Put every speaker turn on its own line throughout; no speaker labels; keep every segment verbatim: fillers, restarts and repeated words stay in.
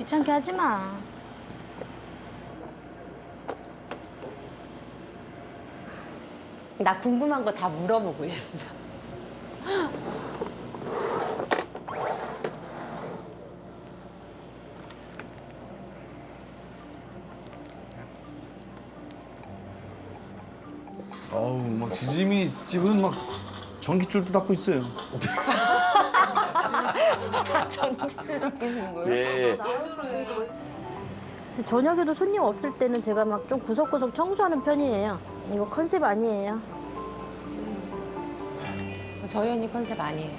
귀찮게 하지 마.
나 궁금한 거 다 물어보고 있어.
어우, 막 지짐이 집은 막 전기줄도 닦고 있어요.
전기줄도 끼시는 거예요?
예.
근데 저녁에도 손님 없을 때는 제가 막 좀 구석구석 청소하는 편이에요. 이거 컨셉 아니에요.
저희 언니 컨셉 아니에요.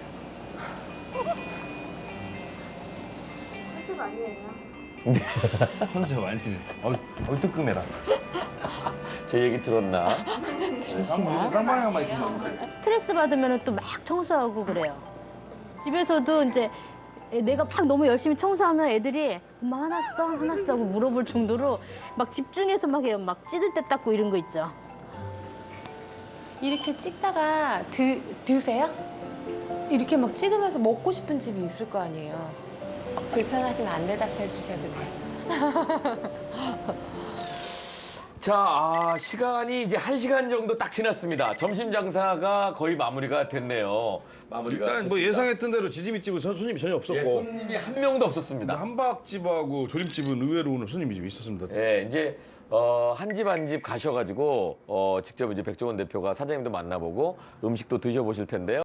컨셉 아니에요.
컨셉 아니지. 어우,
어이 뜨끔해라. 제 얘기 들었나?
쌍방향만 이렇게 나오는데.
스트레스 받으면 또 막 청소하고 그래요. 집에서도 이제 내가 막 너무 열심히 청소하면 애들이 엄마 화났어? 화났어? 하고 물어볼 정도로 막 집중해서 막 해요. 막 찌들 때 닦고 이런 거 있죠.
이렇게 찍다가 드, 드세요? 이렇게 막 찍으면서 먹고 싶은 집이 있을 거 아니에요. 불편하시면 안 대답해 주셔도 돼요.
자, 아, 시간이 이제 한 시간 정도 딱 지났습니다. 점심 장사가 거의 마무리가 됐네요. 마무리가
일단 뭐
됐습니다.
예상했던 대로 지짐이 집은 전 손님이 전혀 없었고
예, 손님이 한 명도 없었습니다.
한박집하고 조림집은 의외로 오늘 손님이 좀 있었습니다.
예, 이제 어, 한 집 한 집 가셔가지고 어, 직접 이제 백종원 대표가 사장님도 만나보고 음식도 드셔보실 텐데요.